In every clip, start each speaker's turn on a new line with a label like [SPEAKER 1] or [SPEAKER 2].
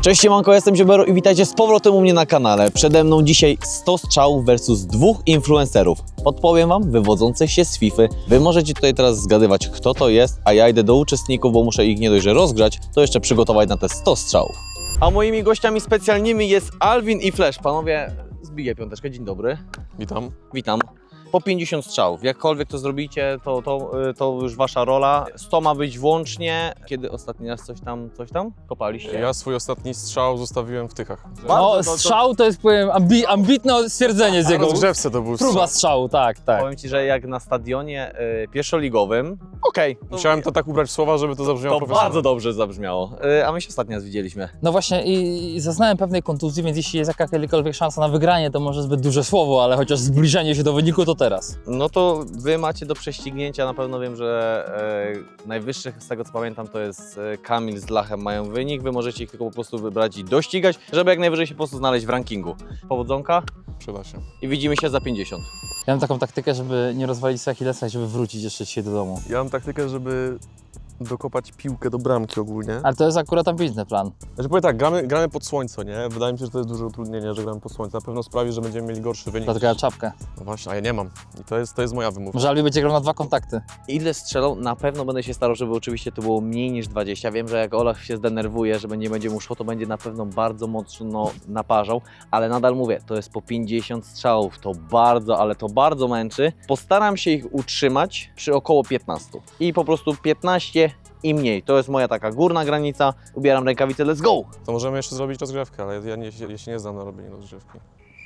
[SPEAKER 1] Cześć, siemanko, jestem Ziobero i witajcie z powrotem u mnie na kanale. Przede mną dzisiaj 100 strzałów versus 2 influencerów. Podpowiem wam, wywodzących się z FIFA. Wy możecie tutaj teraz zgadywać, kto to jest, a ja idę do uczestników, bo muszę ich nie dość, że rozgrzać, to jeszcze przygotować na te 100 strzałów. A moimi gościami specjalnymi jest Alvin i Flash. Panowie, zbiję piąteczkę, dzień dobry.
[SPEAKER 2] Witam.
[SPEAKER 1] Witam. Po 50 strzałów. Jakkolwiek to zrobicie, to już wasza rola. 100 ma być włącznie. Kiedy ostatni raz coś tam kopaliście?
[SPEAKER 2] Ja swój ostatni strzał zostawiłem w Tychach.
[SPEAKER 1] Bardzo,
[SPEAKER 3] No, strzał to jest, powiem, ambitne stwierdzenie z jego
[SPEAKER 2] Rozgrzewce to był
[SPEAKER 3] próba
[SPEAKER 2] strzał.
[SPEAKER 3] strzału, tak.
[SPEAKER 1] Powiem ci, że jak na stadionie pierwszoligowym, okej.
[SPEAKER 2] Musiałem to tak ubrać w słowa, żeby to zabrzmiało
[SPEAKER 1] To
[SPEAKER 2] profesjonalnie.
[SPEAKER 1] bardzo dobrze zabrzmiało. A my się ostatnio raz widzieliśmy.
[SPEAKER 3] No właśnie i zaznałem pewnej kontuzji, więc jeśli jest jakakolwiek szansa na wygranie, to może zbyt duże słowo, ale chociaż zbliżenie się do wyniku to teraz.
[SPEAKER 1] No to wy macie do prześcignięcia, na pewno wiem, że najwyższych, z tego co pamiętam, to jest Kamil z Lachem mają wynik. Wy możecie ich tylko po prostu wybrać i dościgać, żeby jak najwyżej się po prostu znaleźć w rankingu. Powodzonka
[SPEAKER 2] Przyda się.
[SPEAKER 1] i widzimy się za 50.
[SPEAKER 3] Ja mam taką taktykę, żeby nie rozwalić sobie Achillesa i żeby wrócić jeszcze dzisiaj do domu.
[SPEAKER 2] Ja mam taktykę, żeby dokopać piłkę do bramki ogólnie.
[SPEAKER 3] Ale to jest akurat ambitny plan.
[SPEAKER 2] Znaczy powiem tak, gramy pod słońce, nie? Wydaje mi się, że to jest duże utrudnienie, że gramy pod słońce. Na pewno sprawi, że będziemy mieli gorszy wynik.
[SPEAKER 3] Dlatego ja czapkę.
[SPEAKER 2] No właśnie, a ja nie mam. I to jest moja wymówka.
[SPEAKER 3] Może Albi będzie grał na 2 kontakty.
[SPEAKER 1] Ile strzelą? Na pewno będę się starał, żeby oczywiście to było mniej niż 20. Wiem, że jak Olaf się zdenerwuje, że nie będzie mu szło, to będzie na pewno bardzo mocno naparzał, ale nadal mówię, to jest po 50 strzałów, to bardzo, ale to bardzo męczy. Postaram się ich utrzymać przy około 15 i po prostu 15 i mniej. To jest moja taka górna granica. Ubieram rękawice, let's go!
[SPEAKER 2] To możemy jeszcze zrobić rozgrzewkę, ale ja się nie znam na robieniu rozgrzewki.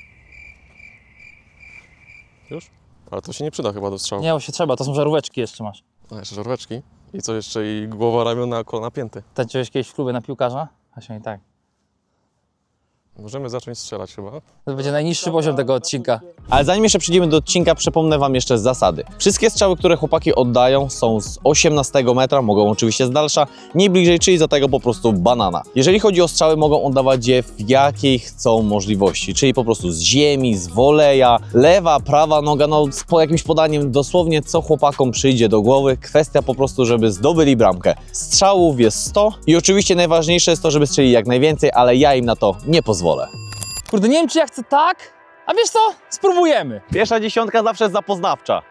[SPEAKER 2] Już? Ale to się nie przyda chyba do strzału.
[SPEAKER 3] Nie, bo się trzeba, to są żaróweczki jeszcze masz.
[SPEAKER 2] A jeszcze żaróweczki. I co jeszcze? I głowa, ramiona, kolana, pięty.
[SPEAKER 3] Tańczyłeś kiedyś w klubie na piłkarza? Asia i tak.
[SPEAKER 2] Możemy zacząć strzelać chyba.
[SPEAKER 3] To będzie najniższy poziom tego odcinka.
[SPEAKER 1] Ale zanim jeszcze przejdziemy do odcinka, przypomnę wam jeszcze zasady. Wszystkie strzały, które chłopaki oddają, są z 18 metra, mogą oczywiście z dalsza, nie bliżej, czyli za tego po prostu banana. Jeżeli chodzi o strzały, mogą oddawać je w jakiej chcą możliwości, czyli po prostu z ziemi, z woleja, lewa, prawa noga, no po jakimś podaniem dosłownie co chłopakom przyjdzie do głowy. Kwestia po prostu, żeby zdobyli bramkę. Strzałów jest 100 i oczywiście najważniejsze jest to, żeby strzeli jak najwięcej, ale ja im na to nie pozwolę.
[SPEAKER 3] Kurde, nie wiem, czy ja chcę tak, a wiesz co? Spróbujemy.
[SPEAKER 1] Pierwsza dziesiątka zawsze jest zapoznawcza.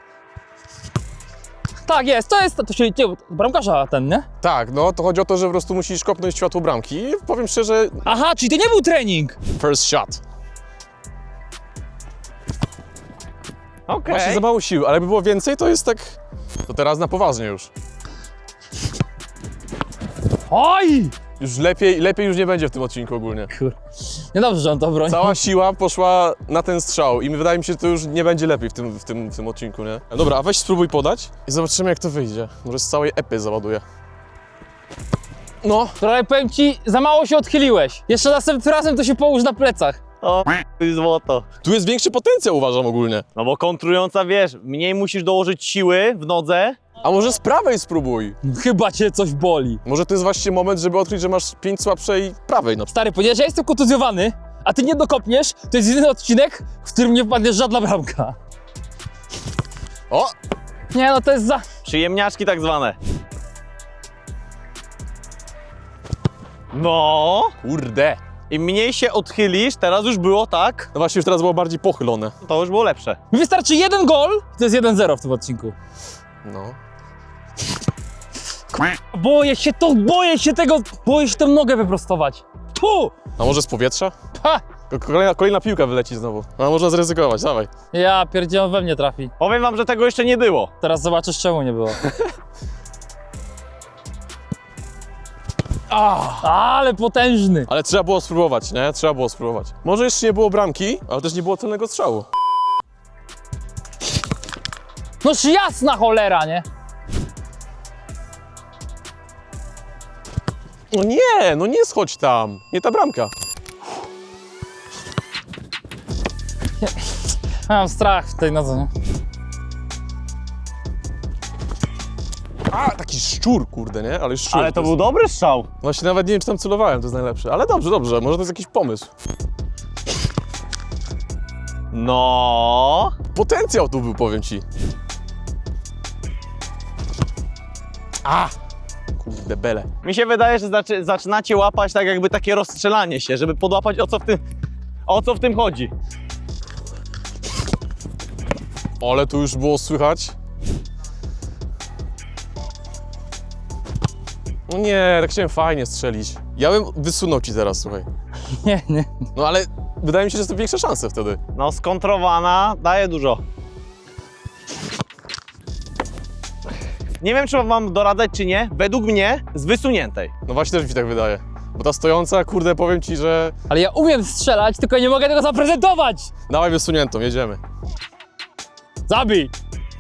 [SPEAKER 3] Tak, jest, to się bramkarza ten, nie?
[SPEAKER 2] Tak, no to chodzi o to, że po prostu musisz kopnąć światło bramki i powiem szczerze,
[SPEAKER 3] Aha, czyli to nie był trening.
[SPEAKER 2] first shot.
[SPEAKER 1] Okej.
[SPEAKER 2] Właśnie za mało sił, ale jakby było więcej, to jest tak... To teraz na poważnie już.
[SPEAKER 3] Oj!
[SPEAKER 2] Już lepiej już nie będzie w tym odcinku ogólnie.
[SPEAKER 3] Kur... Niedobrze, że on to broni.
[SPEAKER 2] Cała siła poszła na ten strzał i wydaje mi się, że to już nie będzie lepiej w tym odcinku, nie? Dobra, a weź spróbuj podać i zobaczymy, jak to wyjdzie. Może z całej epy załaduję. No,
[SPEAKER 3] Trochę powiem ci, za mało się odchyliłeś. Jeszcze następnym razem to się połóż na plecach.
[SPEAKER 1] O, złoto.
[SPEAKER 2] tu jest większy potencjał, uważam ogólnie.
[SPEAKER 1] No bo kontrująca, wiesz, mniej musisz dołożyć siły w nodze.
[SPEAKER 2] A może z prawej spróbuj?
[SPEAKER 3] Chyba cię coś boli.
[SPEAKER 2] Może to jest właśnie moment, żeby odkryć, że masz 5 słabszej prawej na przykład.
[SPEAKER 3] Stary, ponieważ ja jestem kontuzjowany, a ty nie dokopniesz, to jest jedyny odcinek, w którym nie wpadnie żadna bramka.
[SPEAKER 2] O!
[SPEAKER 3] Nie no, to jest za...
[SPEAKER 1] Przyjemniaczki tak zwane. No.
[SPEAKER 2] Kurde!
[SPEAKER 1] Im mniej się odchylisz, teraz już było tak,
[SPEAKER 2] No właśnie, już teraz było bardziej pochylone.
[SPEAKER 1] to już było lepsze.
[SPEAKER 3] Mi wystarczy jeden gol, to jest 1-0 w tym odcinku.
[SPEAKER 2] No.
[SPEAKER 3] Boję się tę nogę wyprostować. Tu!
[SPEAKER 2] A może z powietrza?
[SPEAKER 3] Ha!
[SPEAKER 2] Kolejna piłka wyleci znowu. No można zryzykować, dawaj.
[SPEAKER 3] Ja pierdzielę, on we mnie trafi.
[SPEAKER 1] Powiem wam, że tego jeszcze nie było.
[SPEAKER 3] Teraz zobaczysz, czemu nie było. Ale potężny.
[SPEAKER 2] Ale trzeba było spróbować, nie? Trzeba było spróbować. Może jeszcze nie było bramki, ale też nie było celnego strzału.
[SPEAKER 3] Noż jasna cholera, nie?
[SPEAKER 2] No nie schodź tam. Nie ta bramka.
[SPEAKER 3] Ja mam strach w tej nodze, nie?
[SPEAKER 2] A, taki szczur, kurde, nie? Ale szczur.
[SPEAKER 1] Ale to był
[SPEAKER 2] jest...
[SPEAKER 1] dobry strzał.
[SPEAKER 2] Właśnie nawet nie wiem, czy tam celowałem, to jest najlepsze. Ale dobrze, może to jest jakiś pomysł.
[SPEAKER 1] No.
[SPEAKER 2] Potencjał tu był, powiem ci. A! Kurde, bele.
[SPEAKER 1] Mi się wydaje, że zaczynacie łapać tak jakby takie rozstrzelanie się, żeby podłapać o co w tym chodzi.
[SPEAKER 2] Ale tu już było słychać. No nie, tak chciałem fajnie strzelić. Ja bym wysunął ci teraz, słuchaj.
[SPEAKER 3] Nie, nie.
[SPEAKER 2] No ale wydaje mi się, że są większe szanse wtedy.
[SPEAKER 1] No skontrowana daje dużo. Nie wiem, czy mam doradzać, czy nie. Według mnie z wysuniętej.
[SPEAKER 2] No właśnie też mi się tak wydaje. Bo ta stojąca, kurde, powiem ci, że...
[SPEAKER 3] Ale ja umiem strzelać, tylko nie mogę tego zaprezentować!
[SPEAKER 2] Dawaj wysuniętą, jedziemy.
[SPEAKER 3] Zabij!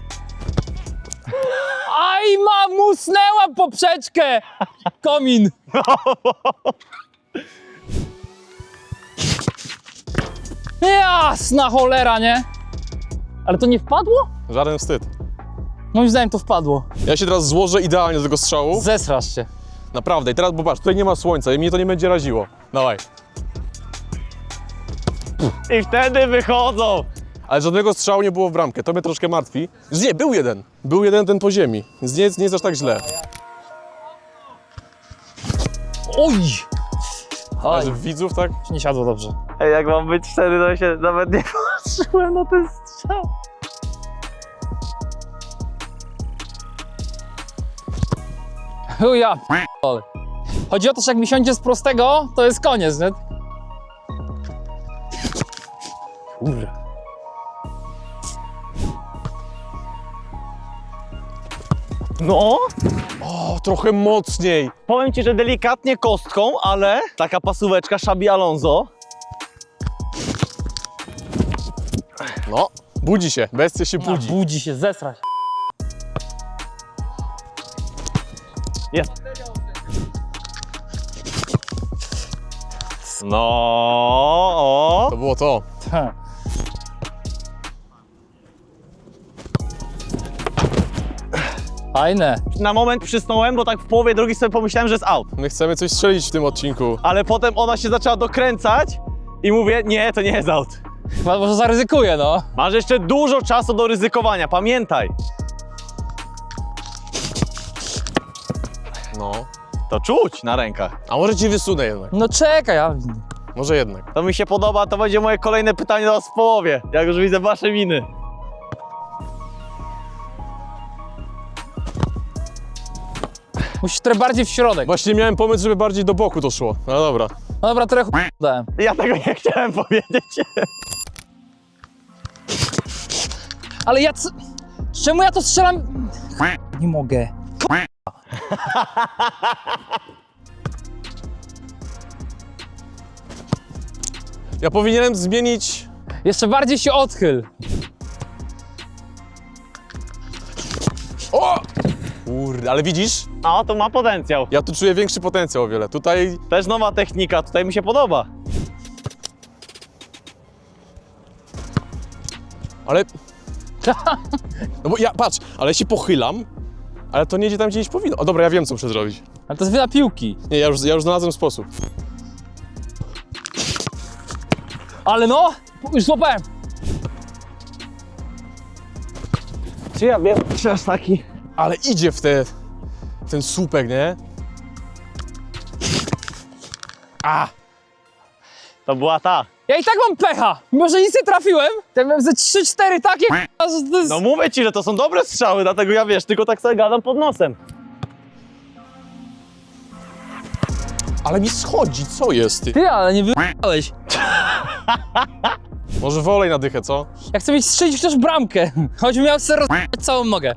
[SPEAKER 3] Aj, musnęła poprzeczkę! Komin! Jasna cholera, nie? Ale to nie wpadło?
[SPEAKER 2] Żaden wstyd.
[SPEAKER 3] Moim zdaniem to wpadło.
[SPEAKER 2] Ja się teraz złożę idealnie do tego strzału.
[SPEAKER 3] Zesrasz się.
[SPEAKER 2] Naprawdę. I teraz, bo patrz, tutaj nie ma słońca i mnie to nie będzie raziło. Dawaj.
[SPEAKER 1] I wtedy wychodzą.
[SPEAKER 2] Ale żadnego strzału nie było w bramkę, to mnie troszkę martwi. Nie, był jeden. Był jeden ten po ziemi, więc nie jest aż tak źle.
[SPEAKER 3] Oj!
[SPEAKER 2] Ale
[SPEAKER 3] Oj,
[SPEAKER 2] że widzów, tak?
[SPEAKER 3] nie siadło dobrze.
[SPEAKER 1] Ej, jak mam być szczery, to się nawet nie patrzyłem na ten strzał.
[SPEAKER 3] Chuja, p***ole. Chodzi o to, że jak mi siądzie z prostego, to jest koniec, nie? Kurwa.
[SPEAKER 1] No,
[SPEAKER 2] O, trochę mocniej.
[SPEAKER 1] powiem ci, że delikatnie kostką, ale taka pasóweczka Xabi Alonso.
[SPEAKER 2] No, budzi się, bestia się budzi.
[SPEAKER 3] Budzi się, zesrać.
[SPEAKER 1] Jest. No, o.
[SPEAKER 2] To było to.
[SPEAKER 3] Ta. Fajne.
[SPEAKER 1] Na moment przysnąłem, bo tak w połowie drogi sobie pomyślałem, że jest out.
[SPEAKER 2] My chcemy coś strzelić w tym odcinku.
[SPEAKER 1] Ale potem ona się zaczęła dokręcać i mówię, nie, to nie jest out.
[SPEAKER 3] Chyba może zaryzykuję, no.
[SPEAKER 1] Masz jeszcze dużo czasu do ryzykowania, pamiętaj.
[SPEAKER 2] No.
[SPEAKER 1] To czuć na rękach.
[SPEAKER 2] A może ci wysunę jednak.
[SPEAKER 3] No czekaj, ja...
[SPEAKER 2] Może jednak.
[SPEAKER 1] To mi się podoba, to będzie moje kolejne pytanie do was w połowie, jak już widzę wasze miny.
[SPEAKER 3] Musisz trochę bardziej w środek.
[SPEAKER 2] Właśnie miałem pomysł, żeby bardziej do boku to szło. No dobra.
[SPEAKER 3] No dobra, trochę dałem.
[SPEAKER 1] Ja tego nie chciałem powiedzieć.
[SPEAKER 3] Ale ja co... Czemu ja to strzelam? Nie mogę.
[SPEAKER 2] Ja powinienem zmienić...
[SPEAKER 3] Jeszcze bardziej się odchyl.
[SPEAKER 2] O! Kurde, ale widzisz?
[SPEAKER 1] No, to ma potencjał.
[SPEAKER 2] Ja tu czuję większy potencjał o wiele. Tutaj...
[SPEAKER 1] Też nowa technika, tutaj mi się podoba.
[SPEAKER 2] Ale... No bo ja, patrz, ale się pochylam, ale to nie idzie tam, gdzie iść powinno. O dobra, ja wiem, co muszę zrobić.
[SPEAKER 3] Ale to jest wyda piłki.
[SPEAKER 2] Nie, ja już znalazłem sposób.
[SPEAKER 3] Ale no, już złapałem.
[SPEAKER 1] Czy ja wiem, czy aż taki?
[SPEAKER 2] Ale idzie w ten słupek, nie? A!
[SPEAKER 1] To była ta.
[SPEAKER 3] Ja i tak mam pecha. Mimo, że nic nie trafiłem, to ja miałem ze 3-4 takie że to jest...
[SPEAKER 1] No mówię ci, że to są dobre strzały, dlatego ja wiesz, tylko tak sobie gadam pod nosem.
[SPEAKER 2] Ale mi schodzi, co jest ty?
[SPEAKER 3] Ty, ale nie wyjechałeś.
[SPEAKER 2] Może wolej na dychę, co?
[SPEAKER 3] Ja chcę mieć strzelić chociaż bramkę. Choćbym miał sobie rozjechać całą nogę.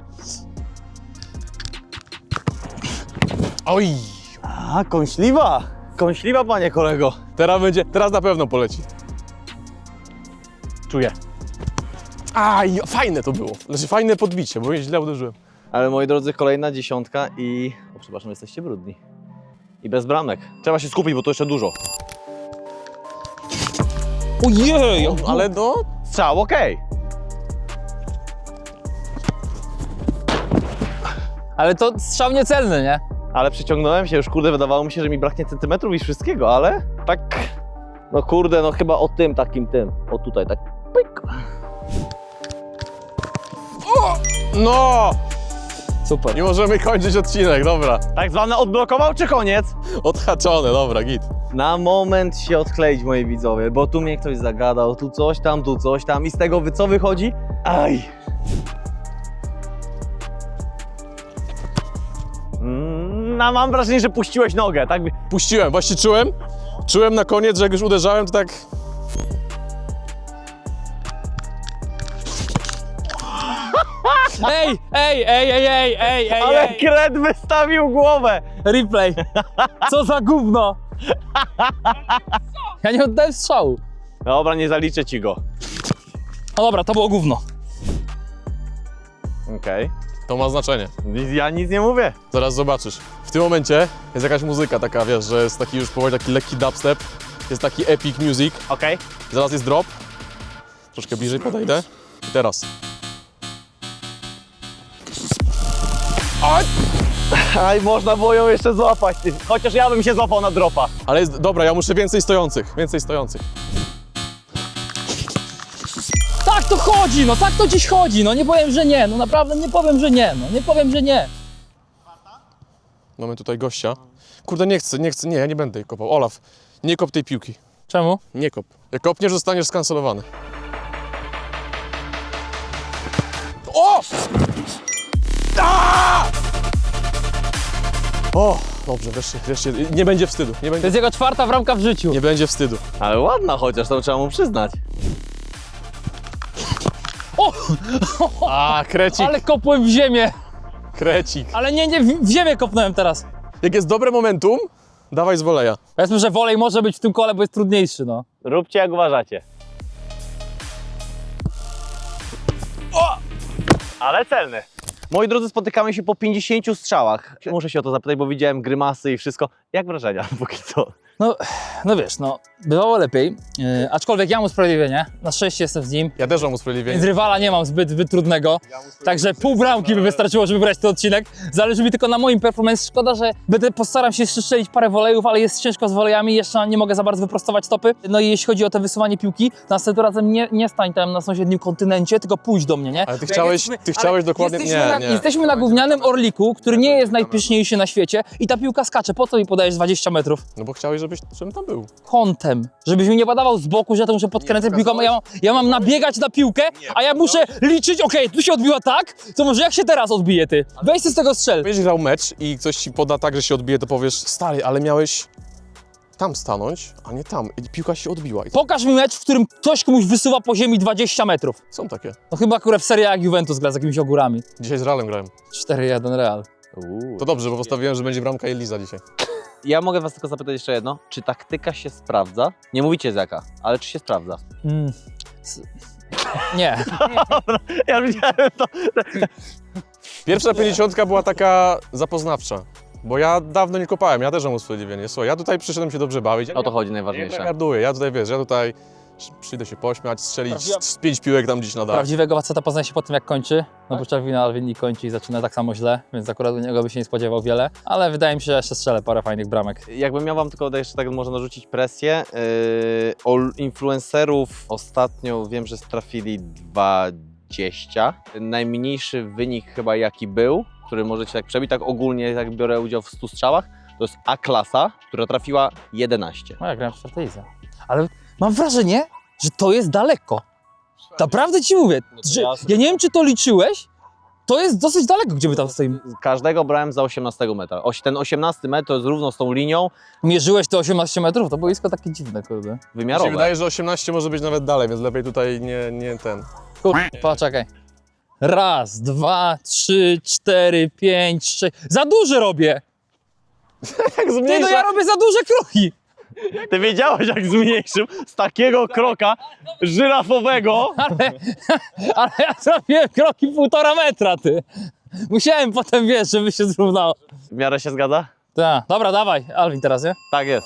[SPEAKER 2] Oj!
[SPEAKER 1] A, kąśliwa. Kąśliwa, panie kolego.
[SPEAKER 2] Teraz na pewno poleci.
[SPEAKER 1] Czuję.
[SPEAKER 2] Aj, fajne to było. Znaczy fajne podbicie, bo źle uderzyłem.
[SPEAKER 1] Ale moi drodzy, kolejna dziesiątka i... O, przepraszam, jesteście brudni. I bez bramek. Trzeba się skupić, bo to jeszcze dużo.
[SPEAKER 3] Ojej!
[SPEAKER 2] Ale no...
[SPEAKER 1] Strzał, okej.
[SPEAKER 3] Ale to strzał niecelny, nie?
[SPEAKER 1] Ale przyciągnąłem się, już kurde, wydawało mi się, że mi braknie centymetrów i wszystkiego, ale tak... No kurde, no chyba o tym takim tym. O tutaj, tak. Pyk.
[SPEAKER 2] No!
[SPEAKER 3] Super.
[SPEAKER 2] I możemy kończyć odcinek, dobra.
[SPEAKER 1] Tak zwane odblokował czy koniec?
[SPEAKER 2] Odhaczone, dobra, git.
[SPEAKER 1] Na moment się odkleić, moi widzowie, bo tu mnie ktoś zagadał, tu coś tam i z tego co wychodzi? Aj! No, mam wrażenie, że puściłeś nogę, tak?
[SPEAKER 2] Puściłem, właśnie czułem na koniec, że jak już uderzałem, to tak...
[SPEAKER 3] Ej!
[SPEAKER 1] Ale kret wystawił głowę!
[SPEAKER 3] Replay. Co za gówno. Ja nie oddałem strzału.
[SPEAKER 1] Dobra, nie zaliczę ci go.
[SPEAKER 3] No dobra, to było gówno.
[SPEAKER 1] Okej.
[SPEAKER 2] To ma znaczenie.
[SPEAKER 1] Ja nic nie mówię.
[SPEAKER 2] Zaraz zobaczysz. W tym momencie jest jakaś muzyka taka, wiesz, że jest taki już powoli taki lekki dubstep. Jest taki epic music.
[SPEAKER 1] Okej.
[SPEAKER 2] Zaraz jest drop. Troszkę bliżej podejdę. I teraz.
[SPEAKER 1] Aj, można było ją jeszcze złapać, ty. Chociaż ja bym się złapał na dropa.
[SPEAKER 2] Ale jest, dobra, ja muszę więcej stojących. Więcej stojących.
[SPEAKER 3] Tak to chodzi, no tak to dziś chodzi, no nie powiem, że nie, no naprawdę nie powiem, że nie, no nie powiem, że nie.
[SPEAKER 2] Mamy tutaj gościa. Kurde, nie chcę, nie, ja nie będę jej kopał. Olaf, nie kop tej piłki.
[SPEAKER 3] Czemu?
[SPEAKER 2] Nie kop. Jak kopniesz, zostaniesz skancelowany. O! A! O! Dobrze, wreszcie. Nie będzie wstydu.
[SPEAKER 3] To jest jego 4. bramka w życiu.
[SPEAKER 2] Nie będzie wstydu.
[SPEAKER 1] Ale ładna chociaż, to trzeba mu przyznać.
[SPEAKER 3] O!
[SPEAKER 2] A, krecik,
[SPEAKER 3] Ale kopłem w ziemię,
[SPEAKER 2] krecik.
[SPEAKER 3] ale nie, w ziemię kopnąłem teraz.
[SPEAKER 2] Jak jest dobre momentum, dawaj z woleja.
[SPEAKER 3] Powiedzmy, że wolej może być w tym kole, bo jest trudniejszy, no.
[SPEAKER 1] Róbcie jak uważacie. O! Ale celny. Moi drodzy, spotykamy się po 50 strzałach. Muszę się o to zapytać, bo widziałem grymasy i wszystko. Jak wrażenia póki co?
[SPEAKER 3] No wiesz, no, bywało lepiej, aczkolwiek ja mam usprawiedliwienie, na szczęście jestem z nim,
[SPEAKER 2] Ja też mam
[SPEAKER 3] więc
[SPEAKER 2] usprawiedliwienie.
[SPEAKER 3] rywala nie mam zbyt trudnego, także pół bramki by wystarczyło, żeby wygrać ten odcinek. Zależy mi tylko na moim performance, szkoda, że postaram się jeszcze strzelić parę wolejów, ale jest ciężko z wolejami, jeszcze nie mogę za bardzo wyprostować stopy. No i jeśli chodzi o te wysuwanie piłki, to następnym razem nie stań tam na sąsiednim kontynencie, tylko pójdź do mnie, nie?
[SPEAKER 2] Ale ty chciałeś dokładnie...
[SPEAKER 3] Jesteśmy na gównianym Orliku, który nie jest najpyszniejszy na świecie i ta piłka skacze, po co mi podajesz 20 metrów?
[SPEAKER 2] No bo chciałeś, żebym tam był.
[SPEAKER 3] Kątem, żebyś mi nie badawał z boku, że ja to muszę podkręcać piłką, ja mam nabiegać na piłkę, a ja muszę liczyć, okej, tu się odbiła tak, to może jak się teraz odbije ty? Weź z tego strzel.
[SPEAKER 2] Będziesz grał mecz i ktoś ci poda tak, że się odbije, to powiesz, stary, ale miałeś tam stanąć, a nie tam. I piłka się odbiła. I
[SPEAKER 3] Pokaż mi mecz, w którym ktoś komuś wysuwa po ziemi 20 metrów.
[SPEAKER 2] są takie.
[SPEAKER 3] No chyba akurat w Serie A Juventus gra z jakimiś ogórami.
[SPEAKER 2] Dzisiaj z Realem grałem.
[SPEAKER 3] 4-1 Real.
[SPEAKER 2] To dobrze, bo postawiłem, że będzie bramka Eliza dzisiaj.
[SPEAKER 1] Ja mogę was tylko zapytać jeszcze jedno. Czy taktyka się sprawdza? Nie mówicie z jaka, ale czy się sprawdza?
[SPEAKER 3] Nie.
[SPEAKER 1] Ja widziałem to.
[SPEAKER 2] Pierwsza 50 była taka zapoznawcza. Bo ja dawno nie kopałem, ja też mam usprawiedliwienie. Słuchaj, ja tutaj przyszedłem się dobrze bawić.
[SPEAKER 1] O to chodzi
[SPEAKER 2] Nie
[SPEAKER 1] najważniejsze.
[SPEAKER 2] garduję, ja tutaj wiesz, ja tutaj przyjdę się pośmiać, strzelić
[SPEAKER 3] Prawdziwa-
[SPEAKER 2] z 5 piłek tam gdzieś na dach.
[SPEAKER 3] Prawdziwego faceta poznaje się po tym, jak kończy. No bo Czerwina Alwin kończy i zaczyna tak samo źle, więc akurat u niego by się nie spodziewał wiele. Ale wydaje mi się, że jeszcze strzelę parę fajnych bramek.
[SPEAKER 1] Jakbym miał wam tylko jeszcze tak może narzucić presję, o influencerów ostatnio wiem, że strafili 20. Najmniejszy wynik chyba jaki był, który możecie tak przebić, tak ogólnie jak biorę udział w 100 strzałach, to jest A-klasa, która trafiła 11.
[SPEAKER 3] No ja grałem w 4. lidze. Ale mam wrażenie, że to jest daleko. Naprawdę ci mówię, że ja nie wiem, czy to liczyłeś, to jest dosyć daleko, gdzie my tam stoimy.
[SPEAKER 1] Każdego brałem za 18 metra. Ten 18 metr to jest równo z tą linią
[SPEAKER 3] Mierzyłeś te 18 metrów, to boisko takie dziwne, kurde.
[SPEAKER 2] Mi się
[SPEAKER 1] wymiarowe.
[SPEAKER 2] wydaje, że 18 może być nawet dalej, więc lepiej tutaj nie ten.
[SPEAKER 3] Kurde, poczekaj. 1, 2, 3, 4, 5, 6. Za duże robię!
[SPEAKER 2] Jak
[SPEAKER 3] Ty, no ja robię za duże kroki!
[SPEAKER 1] Ty wiedziałeś jak zmniejszył z takiego kroka żyrafowego.
[SPEAKER 3] Ale ja zrobiłem kroki 1,5 metra, ty. Musiałem potem, wiesz, żeby się zrównało.
[SPEAKER 1] W miarę się zgadza?
[SPEAKER 3] Tak, dobra, dawaj, Alvin teraz, nie?
[SPEAKER 1] Tak jest.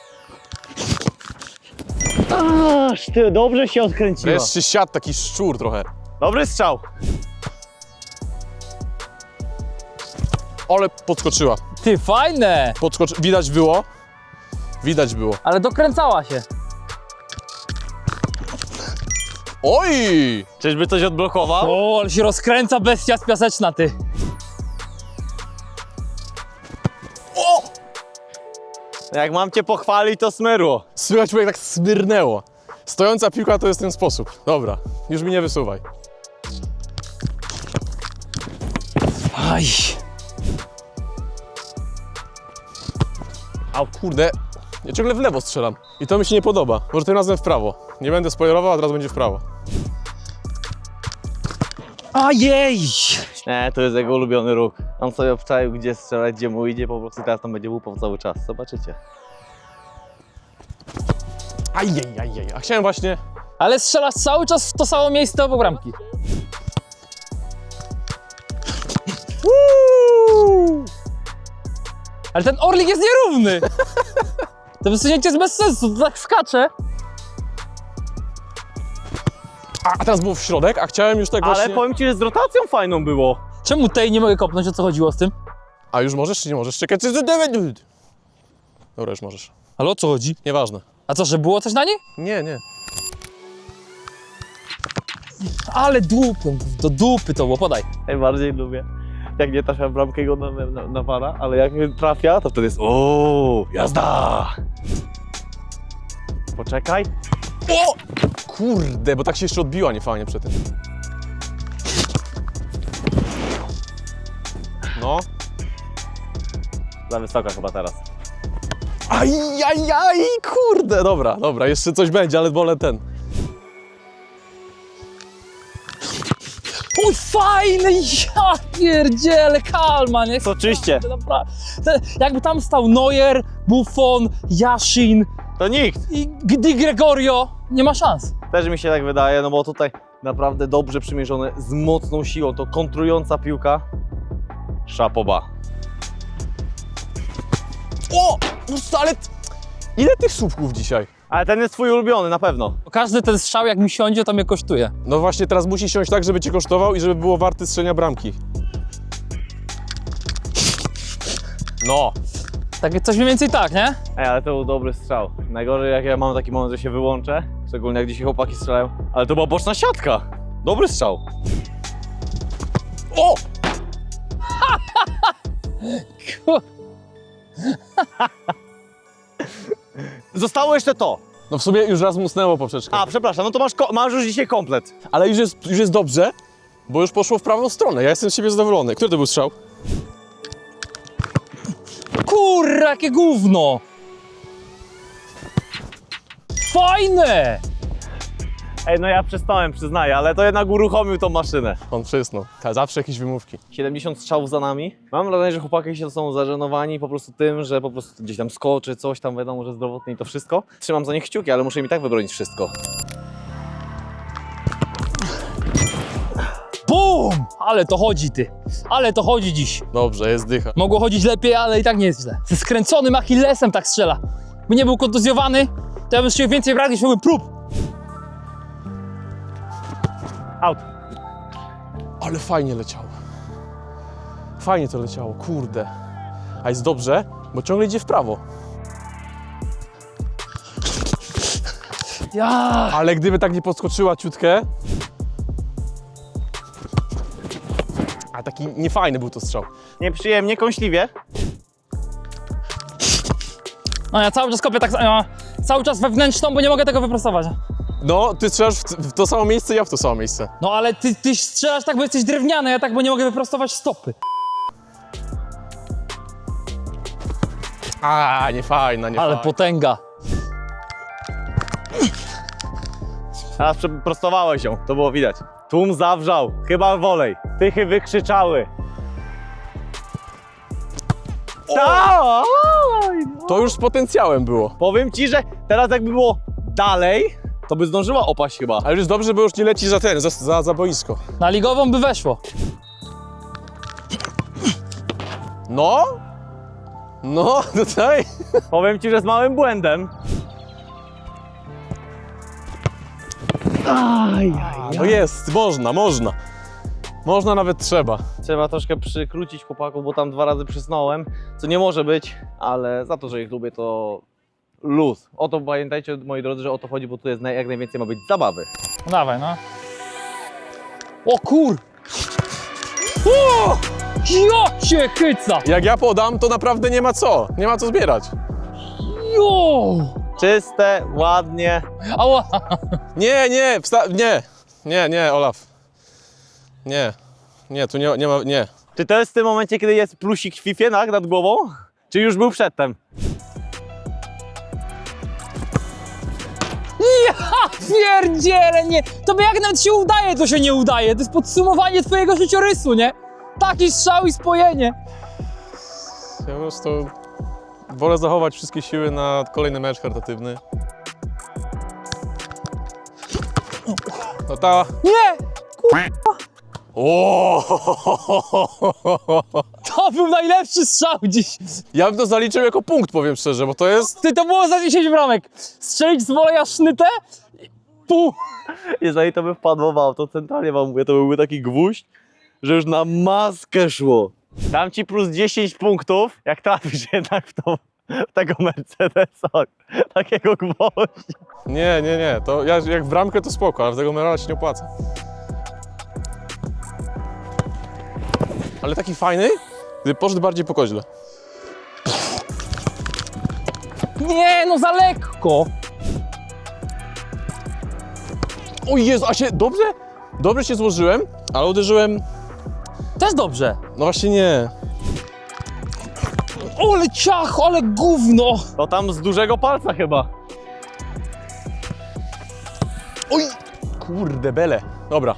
[SPEAKER 1] Aż ty, dobrze się odkręciła.
[SPEAKER 2] Wreszcie siadł taki szczur trochę.
[SPEAKER 1] Dobry strzał.
[SPEAKER 2] Ale podskoczyła.
[SPEAKER 3] Ty, fajne!
[SPEAKER 2] Widać było. Widać było.
[SPEAKER 3] Ale dokręcała się.
[SPEAKER 2] Oj!
[SPEAKER 1] Czyżby coś odblokował?
[SPEAKER 3] O, ale się rozkręca bestia z piaseczna, ty.
[SPEAKER 1] Jak mam cię pochwalić, to smyrło.
[SPEAKER 2] Słychać, jak tak smyrnęło. Stojąca piłka to jest ten sposób. Dobra, już mi nie wysuwaj.
[SPEAKER 3] Aj.
[SPEAKER 2] A kurde, ja ciągle w lewo strzelam. I to mi się nie podoba. Może tym razem w prawo. Nie będę spoilerował, a teraz będzie w prawo.
[SPEAKER 3] Ajej!
[SPEAKER 1] Nie, to jest jego ulubiony ruch. On sobie obczaił, gdzie strzelać, gdzie mu idzie, po prostu teraz tam będzie łupał cały czas. Zobaczycie.
[SPEAKER 2] Ajej. A chciałem właśnie...
[SPEAKER 3] Ale strzelasz cały czas w to samo miejsce obok bramki. Ale ten orlik jest nierówny! To wysunięcie jest bez sensu, to tak skacze.
[SPEAKER 2] A teraz było w środek, a chciałem już tak
[SPEAKER 1] Ale
[SPEAKER 2] właśnie...
[SPEAKER 1] powiem ci, że z rotacją fajną było.
[SPEAKER 3] Czemu tej nie mogę kopnąć, o co chodziło z tym?
[SPEAKER 2] A już możesz czy nie możesz? Czekaj, Dobra, już możesz.
[SPEAKER 3] Ale o co chodzi?
[SPEAKER 2] Nieważne.
[SPEAKER 3] A co, że było coś na niej?
[SPEAKER 2] Nie.
[SPEAKER 3] Ale dupę, do dupy to było, podaj.
[SPEAKER 1] Najbardziej lubię. Jak nie trafia w bramkę go nawala, ale jak trafia, to wtedy jest ooo, jazda! Poczekaj.
[SPEAKER 2] O! Kurde, bo tak się jeszcze odbiła niefajnie przy tym. No.
[SPEAKER 1] Za wysoka chyba teraz.
[SPEAKER 2] Ajajaj, kurde, dobra, jeszcze coś będzie, ale wolę ten.
[SPEAKER 3] Uj, fajny, ja pierdziele, kalma, nie?
[SPEAKER 1] Soczyście.
[SPEAKER 3] Jakby tam stał Neuer, Buffon, Yashin
[SPEAKER 1] To nikt.
[SPEAKER 3] i Di Gregorio, nie ma szans.
[SPEAKER 1] Też mi się tak wydaje, no bo tutaj naprawdę dobrze przymierzone, z mocną siłą, to kontrująca piłka. Szapoba.
[SPEAKER 2] O! No ale... Ile tych słupków dzisiaj?
[SPEAKER 1] Ale ten jest twój ulubiony, na pewno.
[SPEAKER 3] Każdy ten strzał, jak mi siądzie, to mnie kosztuje.
[SPEAKER 2] No właśnie, teraz musi siąść tak, żeby cię kosztował i żeby było warte strzelenia bramki. No.
[SPEAKER 3] Tak, coś mniej więcej tak, nie?
[SPEAKER 1] Ej, ale to był dobry strzał. Najgorzej jak ja mam taki moment, że się wyłączę, szczególnie jak dzisiaj chłopaki strzelają, ale to była boczna siatka. Dobry strzał.
[SPEAKER 2] O!
[SPEAKER 1] Zostało jeszcze to.
[SPEAKER 2] No w sumie już raz musnęło poprzeczkę.
[SPEAKER 1] A, przepraszam, no to masz już dzisiaj komplet.
[SPEAKER 2] Ale już jest dobrze, bo już poszło w prawą stronę. Ja jestem z siebie zadowolony. Który to był strzał?
[SPEAKER 3] Kurra, jakie gówno! Fajne!
[SPEAKER 1] Ej, no ja przestałem, przyznaję, ale to jednak uruchomił tą maszynę.
[SPEAKER 2] On przysnął. Zawsze jakieś wymówki.
[SPEAKER 1] 70 strzałów za nami. Mam wrażenie, że chłopaki się są zażenowani po prostu tym, że po prostu gdzieś tam skoczy, coś tam, wiadomo, że zdrowotnie i to wszystko. Trzymam za nich kciuki, ale muszę im i tak wybronić wszystko.
[SPEAKER 3] Bum! Ale to chodzi, ty. Ale to chodzi dziś.
[SPEAKER 2] Dobrze, jest dycha.
[SPEAKER 3] Mogło chodzić lepiej, ale i tak nie jest źle. Ze skręconym Achillesem tak strzela. By nie był kontuzjowany, to ja bym się więcej brał niż były prób.
[SPEAKER 1] Out.
[SPEAKER 2] Ale fajnie leciało. Fajnie to leciało, kurde. A jest dobrze, bo ciągle idzie w prawo.
[SPEAKER 3] Ja.
[SPEAKER 2] Ale gdyby tak nie podskoczyła ciutkę... A taki niefajny był to strzał.
[SPEAKER 1] Nieprzyjemnie, kąśliwie.
[SPEAKER 3] No ja cały czas kopię tak, cały czas wewnętrzną, bo nie mogę tego wyprostować.
[SPEAKER 2] No, ty strzelasz w to samo miejsce, ja w to samo miejsce.
[SPEAKER 3] No ale ty strzelasz tak, bo jesteś drewniany, ja tak, bo nie mogę wyprostować stopy.
[SPEAKER 2] A, niefajna.
[SPEAKER 3] Ale potęga.
[SPEAKER 1] Teraz prostowałeś ją, to było widać. Tłum zawrzał, chyba wolej. Tychy wykrzyczały.
[SPEAKER 2] To już z potencjałem było.
[SPEAKER 1] Powiem ci, że teraz jakby było dalej, to by zdążyła opaść chyba.
[SPEAKER 2] Ale już dobrze, bo już nie leci za ten, za boisko.
[SPEAKER 3] Na ligową by weszło.
[SPEAKER 2] No? No, tutaj.
[SPEAKER 1] Powiem ci, że z małym błędem.
[SPEAKER 2] No jest, można. Można, nawet trzeba.
[SPEAKER 1] Trzeba troszkę przykrócić chłopaków, bo tam 2 razy przysnąłem, co nie może być, ale za to, że ich lubię, to luz. O to pamiętajcie, moi drodzy, że o to chodzi, bo tu jest jak najwięcej ma być zabawy.
[SPEAKER 3] No dawaj, no. O kur... Ja cię chyca!
[SPEAKER 2] Jak ja podam, to naprawdę nie ma co zbierać.
[SPEAKER 3] Jo!
[SPEAKER 1] Czyste, ładnie.
[SPEAKER 3] Ała!
[SPEAKER 2] Nie, nie, nie, Olaf. Nie, tu nie ma, nie.
[SPEAKER 1] Czy to jest w tym momencie, kiedy jest plusik w FIFA nad głową? Czy już był przedtem?
[SPEAKER 3] Ja pierdzielę, nie! Tobie jak nawet się udaje, to się nie udaje. To jest podsumowanie twojego życiorysu, nie? Taki strzał i spojenie.
[SPEAKER 2] Ja po prostu wolę zachować wszystkie siły na kolejny mecz charytatywny. No ta...
[SPEAKER 3] Nie!
[SPEAKER 2] O!
[SPEAKER 3] To był najlepszy strzał dziś.
[SPEAKER 2] Ja bym to zaliczył jako punkt, powiem szczerze, bo to jest...
[SPEAKER 3] Ty, to było za 10 bramek. Strzelić z woleja sznytę? Pół.
[SPEAKER 1] Jeżeli to by wpadło w auto, centralnie wam mówię, to byłby taki gwóźdź, że już na maskę szło. Dam ci plus 10 punktów, jak trafisz jednak w tego Mercedesa. Takiego gwoździa.
[SPEAKER 2] Nie, to jak w bramkę to spoko, ale w tego Merala się nie opłaca. Ale taki fajny, gdy poszedł bardziej po koźle.
[SPEAKER 3] Nie, no za lekko.
[SPEAKER 2] O Jezu, a się dobrze? Dobrze się złożyłem, ale uderzyłem...
[SPEAKER 3] Też dobrze.
[SPEAKER 2] No właśnie nie.
[SPEAKER 3] Ole ciach, ale gówno.
[SPEAKER 1] To tam z dużego palca chyba.
[SPEAKER 2] Oj! Kurde, bele. Dobra.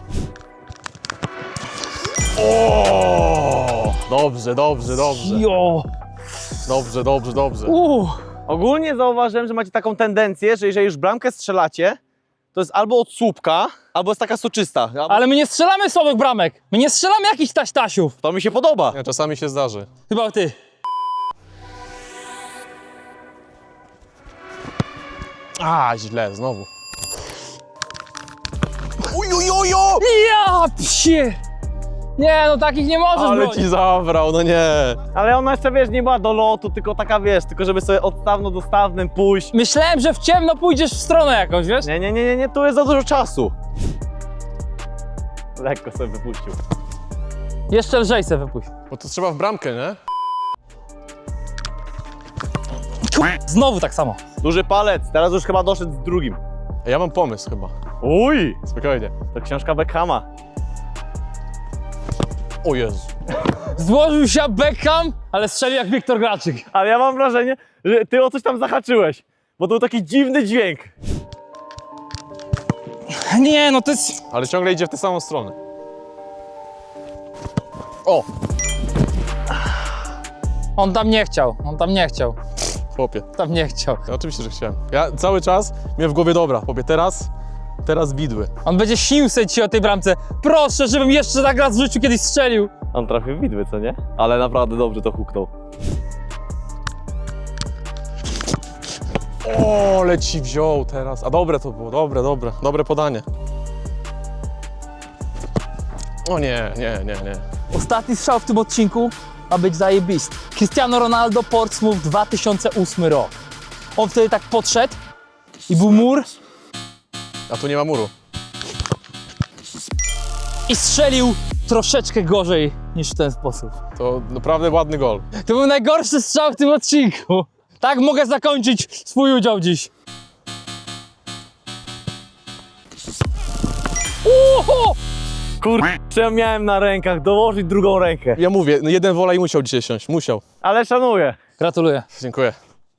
[SPEAKER 2] O! Dobrze.
[SPEAKER 3] Jo.
[SPEAKER 2] Dobrze.
[SPEAKER 1] Ogólnie zauważyłem, że macie taką tendencję, że jeżeli już bramkę strzelacie, to jest albo od słupka, albo jest taka soczysta.
[SPEAKER 3] Ale my nie strzelamy słabych bramek. My nie strzelamy jakichś taś-tasiów.
[SPEAKER 1] To mi się podoba.
[SPEAKER 2] Nie, czasami się zdarzy.
[SPEAKER 3] Chyba ty.
[SPEAKER 2] A, źle, znowu. Ujujuju!
[SPEAKER 3] Ja psie. Nie, no takich nie możesz
[SPEAKER 2] Ale
[SPEAKER 3] bronić.
[SPEAKER 2] ci zabrał, no nie.
[SPEAKER 1] Ale ona jeszcze, wiesz, nie była do lotu, tylko taka, wiesz, tylko żeby sobie odstawno-dostawnym pójść.
[SPEAKER 3] Myślałem, że w ciemno pójdziesz w stronę jakąś, wiesz?
[SPEAKER 1] Nie, tu jest za dużo czasu. Lekko sobie wypuścił.
[SPEAKER 3] Jeszcze lżej se wypuść.
[SPEAKER 2] Bo to trzeba w bramkę, nie?
[SPEAKER 3] Znowu tak samo.
[SPEAKER 1] Duży palec, teraz już chyba doszedł z drugim.
[SPEAKER 2] Ja mam pomysł chyba.
[SPEAKER 1] Uj,
[SPEAKER 2] Spokojnie.
[SPEAKER 1] to książka Beckhama.
[SPEAKER 2] O Jezu.
[SPEAKER 3] Złożył się Beckham, ale strzelił jak Wiktor Graczyk.
[SPEAKER 1] Ale ja mam wrażenie, że ty o coś tam zahaczyłeś, bo to był taki dziwny dźwięk.
[SPEAKER 3] Nie, no to jest...
[SPEAKER 2] Ale ciągle idzie w tę samą stronę. O!
[SPEAKER 3] On tam nie chciał,
[SPEAKER 2] Chłopie.
[SPEAKER 3] tam nie chciał.
[SPEAKER 2] Ja oczywiście, że chciałem. Ja cały czas miałem w głowie, dobra, chłopie, teraz widły.
[SPEAKER 3] On będzie śnił sobie ci o tej bramce. Proszę, żebym jeszcze tak raz w życiu kiedyś strzelił.
[SPEAKER 1] On trafił w widły, co nie? Ale naprawdę dobrze to huknął.
[SPEAKER 2] O, leci wziął teraz. A dobre to było, dobre podanie. O nie.
[SPEAKER 3] Ostatni strzał w tym odcinku ma być zajebisty. Cristiano Ronaldo, Portsmouth, 2008 rok. On wtedy tak podszedł i był mur
[SPEAKER 2] A tu nie ma muru.
[SPEAKER 3] i strzelił troszeczkę gorzej niż w ten sposób.
[SPEAKER 2] To naprawdę ładny gol.
[SPEAKER 3] To był najgorszy strzał w tym odcinku. Tak mogę zakończyć swój udział dziś. Uhu!
[SPEAKER 1] Kurczę, ja miałem na rękach dołożyć drugą rękę.
[SPEAKER 2] Ja mówię, no jeden wolej musiał dzisiaj siąść, musiał.
[SPEAKER 1] Ale szanuję.
[SPEAKER 3] Gratuluję.
[SPEAKER 2] Dziękuję.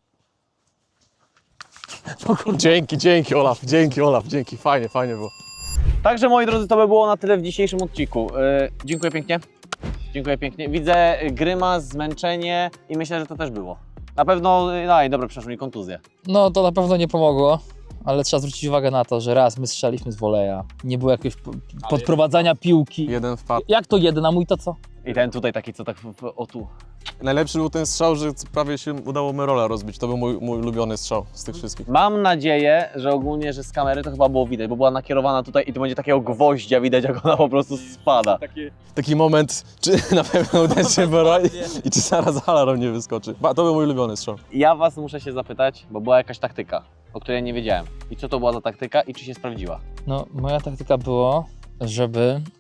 [SPEAKER 2] Dzięki Olaf, dzięki. Fajnie było.
[SPEAKER 1] Także moi drodzy, to by było na tyle w dzisiejszym odcinku. Dziękuję pięknie. Dziękuję pięknie. Widzę grymas, zmęczenie i myślę, że to też było. Na pewno, dobra, przeszło mi kontuzję.
[SPEAKER 3] No to na pewno nie pomogło, ale trzeba zwrócić uwagę na to, że raz my strzeliśmy z woleja, nie było jakiegoś podprowadzania piłki.
[SPEAKER 2] Jeden wpadł.
[SPEAKER 3] Jak to jeden, a mój to co?
[SPEAKER 1] I ten tutaj taki, co tak o tu.
[SPEAKER 2] Najlepszy był ten strzał, że prawie się udało Merola rozbić. To był mój ulubiony strzał z tych wszystkich.
[SPEAKER 1] Mam nadzieję, że ogólnie, że z kamery to chyba było widać, bo była nakierowana tutaj i tu będzie takiego gwoździa widać, jak ona po prostu spada.
[SPEAKER 2] Taki moment, czy na pewno uda się Merola i czy zaraz alarm nie wyskoczy. To był mój ulubiony strzał.
[SPEAKER 1] Ja was muszę się zapytać, bo była jakaś taktyka, o której nie wiedziałem. I co to była za taktyka i czy się sprawdziła?
[SPEAKER 3] No, moja taktyka było, żeby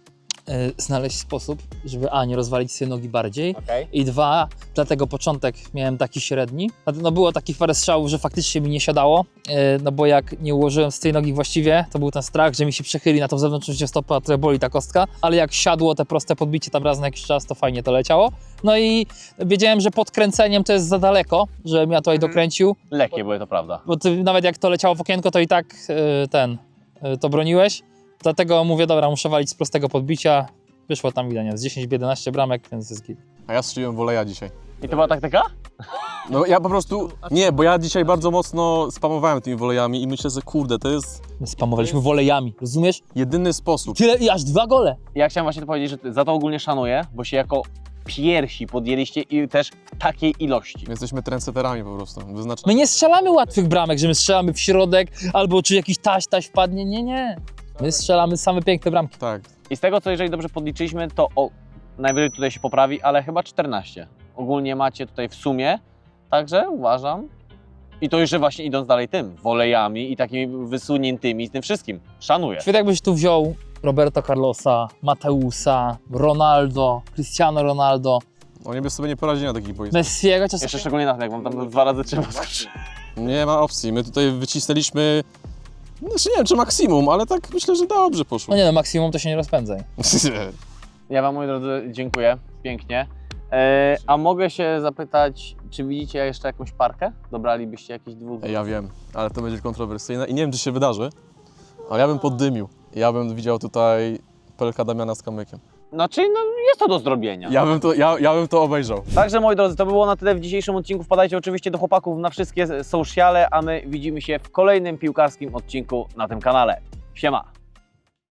[SPEAKER 3] znaleźć sposób, żeby nie rozwalić sobie nogi bardziej
[SPEAKER 1] Okej.
[SPEAKER 3] i 2, dlatego początek miałem taki średni. No było takich parę strzałów, że faktycznie mi nie siadało, no bo jak nie ułożyłem z tej nogi właściwie, to był ten strach, że mi się przechyli na tą zewnętrzną stopę, a trochę boli ta kostka, ale jak siadło te proste podbicie tam raz na jakiś czas, to fajnie to leciało. No i wiedziałem, że pod kręceniem to jest za daleko, żebym ja tutaj dokręcił,
[SPEAKER 1] Lekkie były, to prawda.
[SPEAKER 3] bo ty nawet jak to leciało w okienko, to i tak to broniłeś. Dlatego mówię, dobra, muszę walić z prostego podbicia. Wyszło tam widać, z 10-11 bramek, więc jest git.
[SPEAKER 2] A ja strzeliłem woleja dzisiaj.
[SPEAKER 1] I to była taktyka?
[SPEAKER 2] No ja po prostu, nie, bo ja dzisiaj bardzo mocno spamowałem tymi wolejami i myślę, że kurde, to jest
[SPEAKER 3] My spamowaliśmy wolejami, rozumiesz?
[SPEAKER 2] jedyny sposób.
[SPEAKER 3] Tyle i aż 2 gole.
[SPEAKER 1] Ja chciałem właśnie to powiedzieć, że za to ogólnie szanuję, bo się jako pierwsi podjęliście i też takiej ilości.
[SPEAKER 2] My jesteśmy trendsetterami po prostu,
[SPEAKER 3] My nie strzelamy łatwych bramek, że my strzelamy w środek albo czy jakiś taś wpadnie, nie. My strzelamy same piękne bramki.
[SPEAKER 2] Tak.
[SPEAKER 1] I z tego, co jeżeli dobrze podliczyliśmy, to najwyżej tutaj się poprawi, ale chyba 14. Ogólnie macie tutaj w sumie, także uważam. I to jeszcze właśnie idąc dalej tym, wolejami i takimi wysuniętymi, z tym wszystkim. Szanuję.
[SPEAKER 3] Świetnie jakbyś tu wziął Roberto Carlosa, Mateusa, Ronaldo, Cristiano Ronaldo,
[SPEAKER 2] Oni by sobie nie poradzili na takich boiskach.
[SPEAKER 3] Messiego,
[SPEAKER 1] Jeszcze
[SPEAKER 3] czasem...
[SPEAKER 1] szczególnie na tym, jak wam tam 2 razy trzeba skoczyć.
[SPEAKER 2] Nie ma opcji, my tutaj wycisnęliśmy, znaczy nie wiem czy maksimum, ale tak myślę, że dobrze poszło.
[SPEAKER 3] No nie no, maksimum to się nie rozpędzaj.
[SPEAKER 1] Ja wam, moi drodzy, dziękuję pięknie. A mogę się zapytać, czy widzicie jeszcze jakąś parkę? Dobralibyście jakiś dwóch?
[SPEAKER 2] Ja wiem, ale to będzie kontrowersyjne i nie wiem czy się wydarzy, ale ja bym poddymił. Ja bym widział tutaj Pelka Damiana z kamykiem.
[SPEAKER 1] No czyli no, jest to do zrobienia.
[SPEAKER 2] Ja bym to obejrzał.
[SPEAKER 1] Także moi drodzy, to by było na tyle w dzisiejszym odcinku. Wpadajcie oczywiście do chłopaków na wszystkie sociale, a my widzimy się w kolejnym piłkarskim odcinku na tym kanale. Siema!